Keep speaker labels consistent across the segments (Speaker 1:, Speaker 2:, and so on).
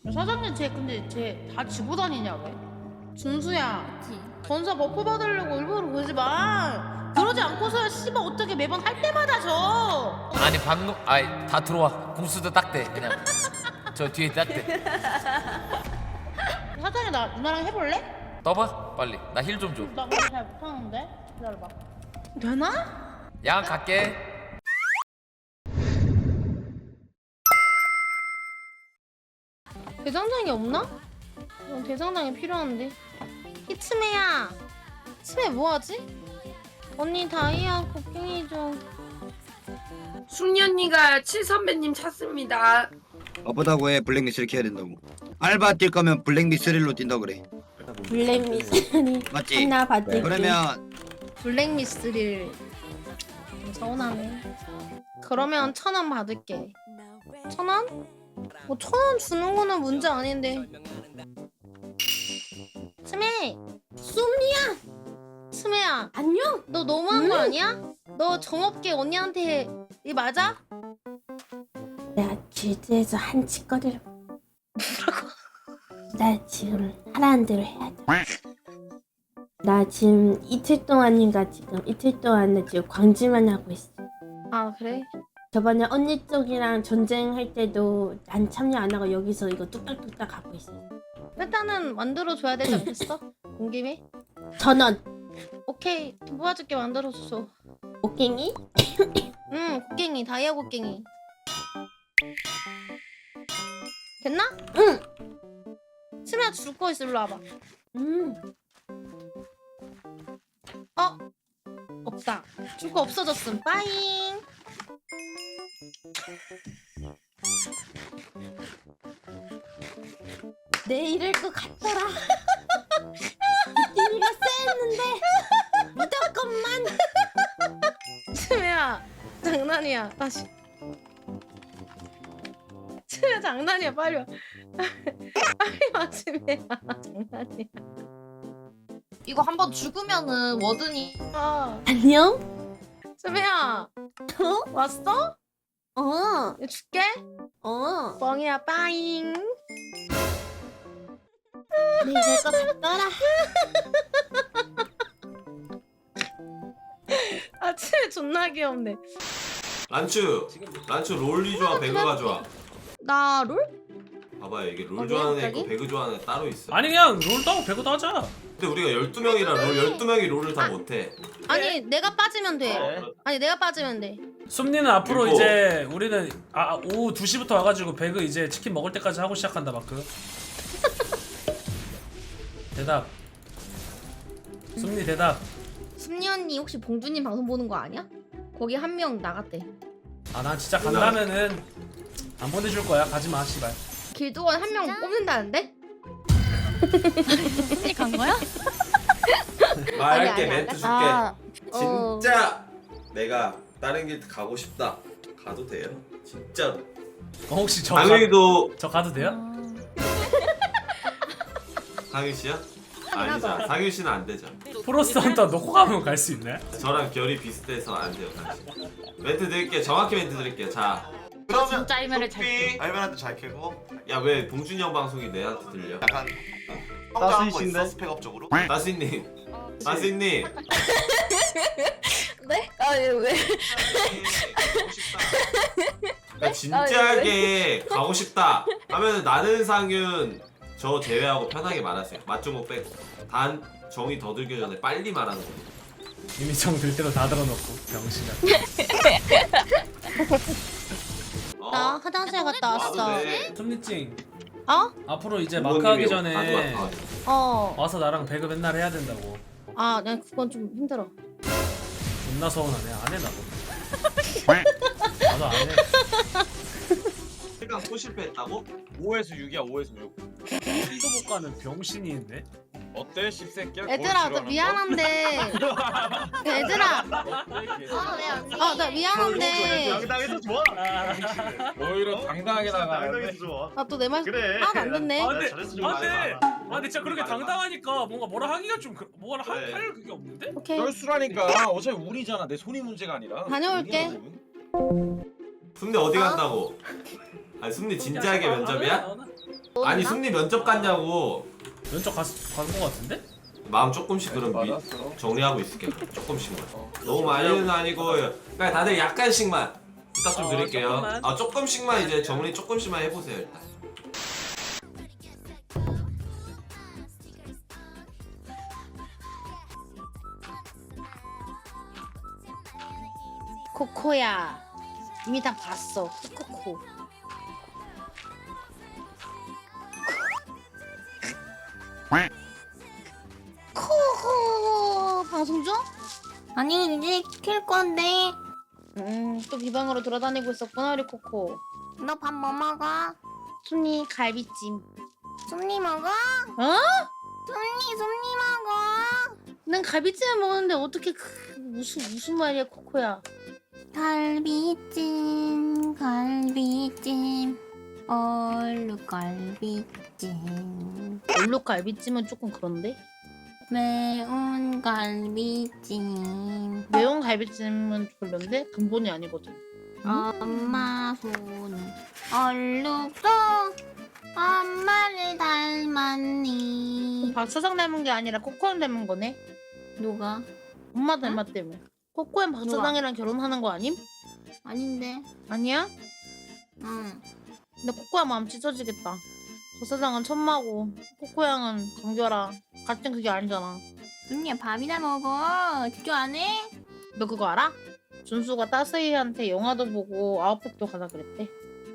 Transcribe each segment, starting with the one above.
Speaker 1: 사장님 근데 쟤 다 지고 다니냐 왜? 준수야 전사 버프 받으려고 일부러 그러지 마. 그러지 않고서야 씨발 어떻게 매번 할 때마다 져.
Speaker 2: 아니 방금 아이 다 들어와. 공수도 딱대 그냥. 저 뒤에 딱대.
Speaker 1: 사장님 나 누나랑 해볼래?
Speaker 2: 떠봐 빨리. 나 힐 좀 줘.
Speaker 1: 나 그거 잘 못하는데 기다려봐. 되나?
Speaker 2: 양 갈게.
Speaker 1: 대장장이 없나? 대장장이 필요한데. 이츠메야 치메 뭐하지? 언니 다이아 곡괭이 좀.
Speaker 3: 순이 언니가 칠 선배님 찾습니다.
Speaker 4: 바쁘다고 해. 블랙리스트를 켜야 된다고. 알바 뛸 거면 블랙리스트로 뛴다 그래.
Speaker 5: 블랙미스리
Speaker 4: 맞지?
Speaker 5: 하나 받을게.
Speaker 4: 그러면
Speaker 1: 블랙미스릴 좀 서운하네. 그러면 1,000원 받을게. 1,000원? 뭐 1,000원 주는 거는 문제 아닌데. 스메! 쏨니야! 스메야
Speaker 5: 안녕.
Speaker 1: 너 너무한 거 아니야? 너 정없게 언니한테 이 맞아?
Speaker 5: 내가 길드에서 한치거리를. 나 지금 하라는 대로 해야 돼. 나 지금 이틀 동안인가 지금 이틀 동안 나 지금 광질만 하고 있어.
Speaker 1: 아 그래?
Speaker 5: 저번에 언니 쪽이랑 전쟁할 때도 난 참여 안 하고 여기서 이거 뚝딱뚝딱 하고 있어.
Speaker 1: 일단은 만들어줘야 되지 않겠어? 온 김에?
Speaker 5: 1,000원.
Speaker 1: 오케이 도와줄게 만들어줘.
Speaker 5: 곡괭이?
Speaker 1: 응 곡괭이 다이아 곡괭이. 됐나?
Speaker 5: 응.
Speaker 1: 스메야 줄 거 있어 일로 와봐. 어? 없다. 줄 거 없어졌음. 빠잉.
Speaker 5: 내 이럴 것 같더라. 느낌이가 쎄했는데 무조건만.
Speaker 1: 스메야 장난이야. 다시. 스메야 장난이야. 빨리 와. 빨리 와 스메야. 장난이야.
Speaker 6: 이거 한번 죽으면은 워든이
Speaker 1: 아
Speaker 5: 안녕?
Speaker 1: 스메야
Speaker 5: 어?
Speaker 1: 왔어?
Speaker 5: 어.
Speaker 1: 이거 줄게.
Speaker 5: 어.
Speaker 1: 뻥이야 빠잉.
Speaker 5: 내 이럴 것 같더라.
Speaker 1: 아 스메 존나 귀엽네.
Speaker 7: 란추 롤리 좋아 배그가 좋아.
Speaker 1: 나 롤?
Speaker 7: 봐봐요 이게 롤
Speaker 1: 어디야,
Speaker 7: 좋아하는 애
Speaker 1: 갑자기?
Speaker 7: 있고 배그 좋아하는 애 따로 있어.
Speaker 8: 아니 그냥 롤도 하고 배그도 하자.
Speaker 7: 근데 우리가 12명이라 롤 12명이 롤을 다 못해.
Speaker 1: 아니 내가 빠지면 돼.
Speaker 7: 어,
Speaker 1: 아니 내가 빠지면 돼.
Speaker 8: 쏨니는 앞으로
Speaker 7: 그리고-
Speaker 8: 이제 우리는 오후 2시부터 와가지고 배그 이제 치킨 먹을 때까지 하고 시작한다 마크. 대답. 쏨니 대답.
Speaker 6: 승리 언니 혹시 봉주님 방송 보는 거 아니야? 거기 한 명 나갔대.
Speaker 8: 아 난 진짜 간다면은 안 보내줄 거야. 가지마 씨발.
Speaker 6: 길드원 한 명 뽑는다는데?
Speaker 1: 언니 간 거야?
Speaker 7: 말할게
Speaker 6: 아니,
Speaker 7: 멘트 줄게. 진짜 내가 다른 길 가고 싶다. 가도 돼요? 진짜로.
Speaker 8: 혹시
Speaker 7: 상윤이도
Speaker 8: 저 가도 돼요?
Speaker 7: 상윤 씨야? 아니죠. 상윤 씨는 안 되죠.
Speaker 8: 프로스트 헌터 놓고 가면 갈 수 있네.
Speaker 7: 저랑 결이 비슷해서 안 돼요. 당신. 멘트 드릴게요. 정확히 멘트 드릴게요. 자,
Speaker 9: 그러면
Speaker 6: 진짜 알면을 잘
Speaker 9: 토끼 알면한테 잘 캐고
Speaker 7: 야 왜 봉준이 형 방송이 내한테 들려?
Speaker 9: 약간 성장한 거 있어 스펙업적으로?
Speaker 7: 나스님, 나스님.
Speaker 6: 네? 아니 왜?
Speaker 7: 그러니까 진지하게 가고 싶다 하면 나는 상윤 저 제외하고 편하게 말하세요. 맞종목 빼고. 단 정이 더 들기 전에 빨리 말하는 거예요.
Speaker 8: 이미 정 들 때도 다 들어놓고 병신아.
Speaker 1: 나 화장실 갔다
Speaker 7: 와도
Speaker 1: 왔어.
Speaker 7: 돼.
Speaker 8: 쏨니찡
Speaker 1: 어?
Speaker 8: 앞으로 이제 마크 하기 전에
Speaker 1: 어.
Speaker 8: 와서 나랑 배그 맨날 해야 된다고.
Speaker 1: 아, 난 그건 좀 힘들어.
Speaker 8: 존나 서운하네. 안 해 나도. 나도 안 해.
Speaker 7: 시간 또 실패했다고?
Speaker 10: 5에서 6이야 5에서 6
Speaker 8: 이도 못 가는 병신이 있네.
Speaker 10: 어때 씹새끼야?
Speaker 1: 얘들아, 나 미안한데. 얘들아, 나 미안한데.
Speaker 9: 당당해서 좋아.
Speaker 10: 오히려 당당하게 나가는데
Speaker 9: 당당해서 좋아.
Speaker 1: 나 또 내 말
Speaker 9: 그래.
Speaker 1: 하나도 안 듣네.
Speaker 8: 아 근데
Speaker 9: 잘했어, 좀
Speaker 8: 안돼.
Speaker 9: 말해봐.
Speaker 8: 아 근데 진짜 그렇게 당당하니까 뭔가 뭐라 하기가 좀 뭐라
Speaker 7: 그래.
Speaker 8: 할 그게 없는데?
Speaker 1: 오케이.
Speaker 10: 쩔수라니까 어차피 운이잖아 내 손이 문제가 아니라
Speaker 1: 다녀올게.
Speaker 10: 운이야,
Speaker 7: 근데 어디 간다고? 아니 승리 진지하게 면접이야? 아니 승리 면접 갔냐고.
Speaker 8: 면접 간거 같은데?
Speaker 7: 마음 조금씩 그럼
Speaker 10: 맞았어.
Speaker 7: 정리하고 있을게. 조금씩만. 너무 많이는 아니고 그냥 다들 약간씩만 부탁 좀 드릴게요.
Speaker 8: 조금만.
Speaker 7: 아 조금씩만 이제 정리 조금씩만 해보세요 일단.
Speaker 1: 코코야 이미 다 봤어. 코코. 코코 방송 중?
Speaker 5: 아니 이제 킬 건데.
Speaker 1: 또 비방으로 돌아다니고 있었구나 우리 코코.
Speaker 5: 너 밥 뭐 먹어?
Speaker 1: 순이 갈비찜.
Speaker 5: 쏨니 먹어?
Speaker 1: 어?
Speaker 5: 쏨니 먹어.
Speaker 1: 난 갈비찜을 먹었는데 어떻게 무슨 말이야 코코야?
Speaker 5: 갈비찜 갈비찜 얼룩 갈비찜
Speaker 1: 얼룩 갈비찜은 조금 그런데?
Speaker 5: 매운 갈비찜
Speaker 1: 매운 갈비찜은 별론데 근본이 아니거든.
Speaker 5: 엄마 손 얼룩도 엄마를 닮았니.
Speaker 1: 박 수상 닮은 게 아니라 코코는 닮은 거네.
Speaker 5: 누가?
Speaker 1: 엄마 닮았다며. 코코엔 박 수상이랑 결혼하는 거 아님?
Speaker 5: 아닌데.
Speaker 1: 아니야?
Speaker 5: 응.
Speaker 1: 근데 코코야 마음 찢어지겠다. 박 수상은 천마고 코코양은 강결아. 같은 그게 아니잖아.
Speaker 5: 쏨니야 밥이나 먹어. 집중 안 해?
Speaker 1: 너 그거 알아? 준수가 따스이한테 영화도 보고 아웃백도 가자 그랬대.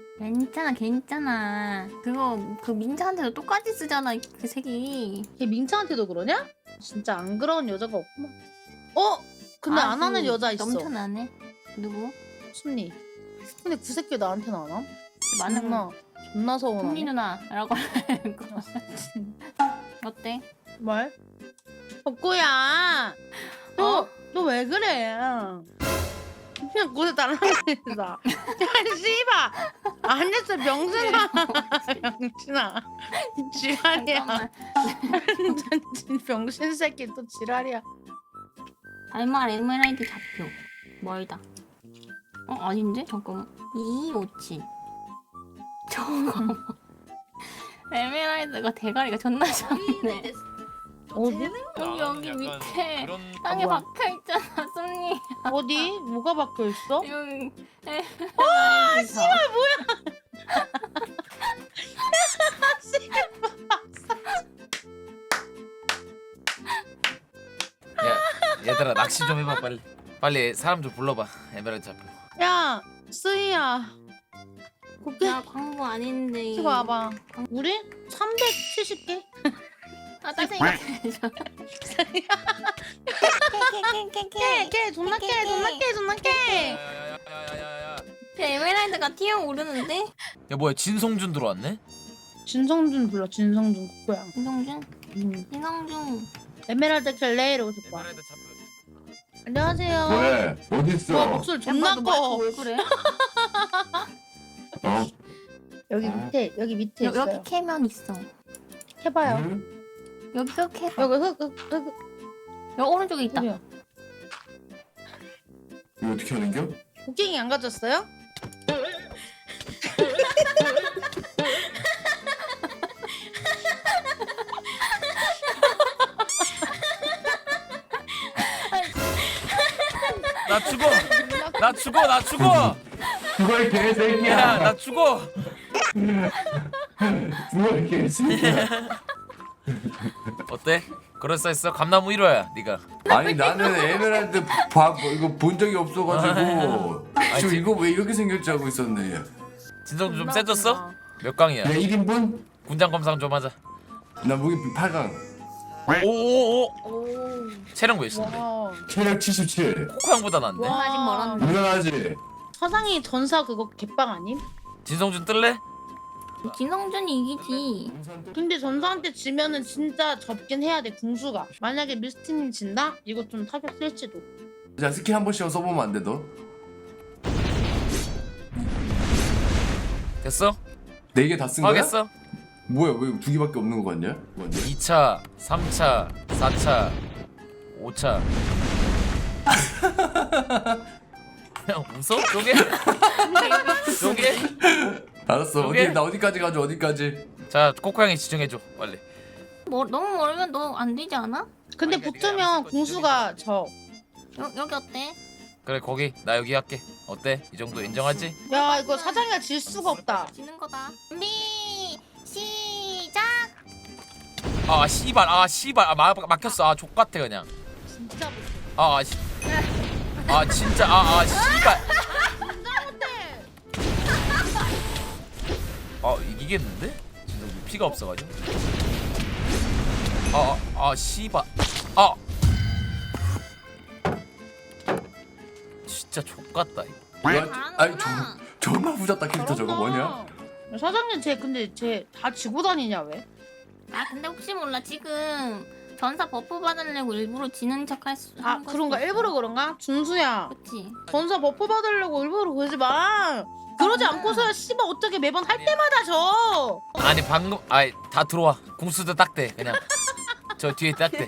Speaker 5: 괜찮아. 그거 그 민자한테도 똑같이 쓰잖아 그 색이.
Speaker 1: 걔 민차한테도 그러냐? 진짜 안 그러는 여자가 없구만. 어? 근데 안 하는 여자 있어.
Speaker 5: 넘쳐나네. 누구?
Speaker 1: 순니. 근데 그 새끼 나한테는 안 함?
Speaker 5: 많은 거.
Speaker 1: 존나
Speaker 5: 쏨니
Speaker 1: 서운하네.
Speaker 5: 누나라고 하고. 어때?
Speaker 1: 뭘? 덕구야. 너 왜 그래? 그냥 곳에 달라붙는다. 야 씨발. 안 했어 병신아. 병신아. 지랄이야.
Speaker 5: 잠깐만.
Speaker 1: 병신 새끼 또 지랄이야.
Speaker 5: 알말 에메랄드 잡표. 멀다. 아닌데? 잠깐만. 2257. 잠깐만. 에메랄드가 대가리가 존나 작네.
Speaker 1: 어디?
Speaker 5: 여기 밑에 땅에
Speaker 1: 뭐야?
Speaker 5: 박혀있잖아 쏨니.
Speaker 1: 어디? 뭐가 박혀 있어?
Speaker 5: 여기
Speaker 1: 아 씨발 뭐야?
Speaker 2: 야 얘들아 낚시 좀 해봐 빨리 사람 좀 불러봐. 에메랄드 잡혀.
Speaker 1: 야 쓰이야. 곱게
Speaker 5: 나 광고 아닌데.
Speaker 1: 이거 와봐. 우리 370개?
Speaker 5: 짜증나.
Speaker 1: 깨 존나 깨.
Speaker 2: 야야야야야.
Speaker 5: 에메랄드가 튀어오르는데?
Speaker 2: 야 뭐야 진성준 들어왔네?
Speaker 1: 진성준 불러. 진성준 코코야.
Speaker 5: 이성준? 이성준.
Speaker 1: 에메랄드 켈레 이러고 듣고 와.
Speaker 2: 에메랄드 잡혀.
Speaker 1: 안녕하세요.
Speaker 11: 왜? 어딨어?
Speaker 1: 와 목소리 존나 커.
Speaker 5: 왜 그래?
Speaker 11: 어?
Speaker 1: 여기 밑에 있어요.
Speaker 5: 여기 캐면 있어.
Speaker 1: 해봐요.
Speaker 11: 응?
Speaker 5: 여기 흑 해봐.
Speaker 1: 여기 흙.
Speaker 5: 여기 오른쪽에 있다.
Speaker 1: 여기요.
Speaker 11: 이거 어떻게 하는겨?
Speaker 1: 곡괭이 안 가졌어요?
Speaker 2: 나 죽어.
Speaker 11: 그걸 개새끼야.
Speaker 2: 야 나 죽어.
Speaker 11: 그걸 개새끼야.
Speaker 2: 어때? 그럴싸했어? 감나무 1호야 네가.
Speaker 11: 아니 나는 에메랄드 이거 본 적이 없어가지고 지금 이거 왜 이렇게 생겼지 하고 있었네.
Speaker 2: 진성준 좀 세졌어? 몇 강이야?
Speaker 11: 내 1인분?
Speaker 2: 군장 검상 좀 하자.
Speaker 11: 나 무기 8강.
Speaker 2: 오오오. 체력 몇인데?
Speaker 1: 와.
Speaker 11: 체력 77.
Speaker 2: 코코 형보다 낫네.
Speaker 1: 와.
Speaker 5: 아직 멀었는데.
Speaker 11: 무난하지?
Speaker 1: 사상이 전사 그거 개빵 아님?
Speaker 2: 진성준 뜰래?
Speaker 5: 진성준이 이기지.
Speaker 1: 근데 전사한테 지면은 진짜 접긴 해야 돼 궁수가. 만약에 미스티님 진다? 이거 좀 타격 쓸지도.
Speaker 11: 자 스킬 한 번씩 써보면 안 돼 너?
Speaker 2: 됐어?
Speaker 11: 4개 다 쓴 거야?
Speaker 2: 하겠어?
Speaker 11: 뭐야 왜 2개밖에 없는 거 같냐? 뭐냐?
Speaker 2: 2차, 3차, 4차, 5차. 그냥 웃어? 쪼개? 쪼개?
Speaker 11: 알았어.
Speaker 2: 오케이.
Speaker 11: 어디 나 어디까지 가죠? 어디까지?
Speaker 2: 자 코코 형이 지정해줘 빨리.
Speaker 6: 너무 멀면 너 안 되지 않아?
Speaker 1: 근데
Speaker 2: 아니,
Speaker 1: 붙으면
Speaker 2: 내가
Speaker 1: 공수가 저.
Speaker 6: 여기 어때?
Speaker 2: 그래 거기 나 여기 할게. 어때? 이 정도 인정하지?
Speaker 1: 야 이거 사장이가 질 수가 없다.
Speaker 6: 지는 거다. 준비 시작.
Speaker 2: 아 씨발 막혔어. 아 족같아 그냥.
Speaker 1: 진짜 못해.
Speaker 2: 진짜 씨발. 이기겠는데? 진짜 피가 없어가지고. 씨발. 진짜 족같다 이거.
Speaker 11: 아니 존나 부졌다 캐릭터 저거 뭐냐?
Speaker 1: 사장님 근데 쟤 다 지고 다니냐 왜?
Speaker 6: 아 근데 혹시 몰라 지금 전사 버프 받으려고 일부러 지는 척할 수.
Speaker 1: 아 그런가? 일부러 그런가? 중수야
Speaker 6: 그치.
Speaker 1: 전사 버프 받으려고 일부러 그러지 마. 그러지 않고서야 씨발 어떻게 매번 할 때마다 져.
Speaker 2: 아니 방금 다 들어와. 공수도 딱대 그냥. 저 뒤에 딱대.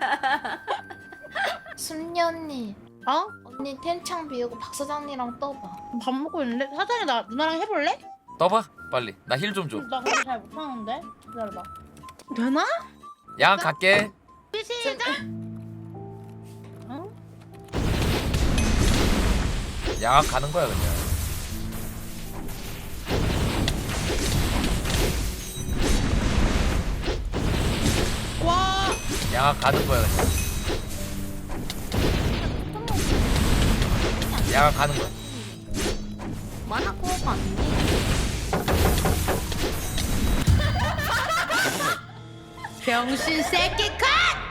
Speaker 12: 순리 언니
Speaker 1: 어?
Speaker 12: 언니 텐창 비우고 박 사장님이랑 떠봐.
Speaker 1: 밥 먹고 있는데? 사장이 나 누나랑 해볼래?
Speaker 2: 떠봐 빨리. 나 힐 좀 줘.
Speaker 1: 나 그거 잘 못하는데? 기다려봐. 되나?
Speaker 2: 양 갈게.
Speaker 1: 시작! 어?
Speaker 2: 양악 가는 거야 그냥.
Speaker 1: 와!
Speaker 2: 양악 가는 거야 그냥. 양악 가는 거야.
Speaker 6: 만화 코어가 안 돼.
Speaker 1: 병신 새끼 컷!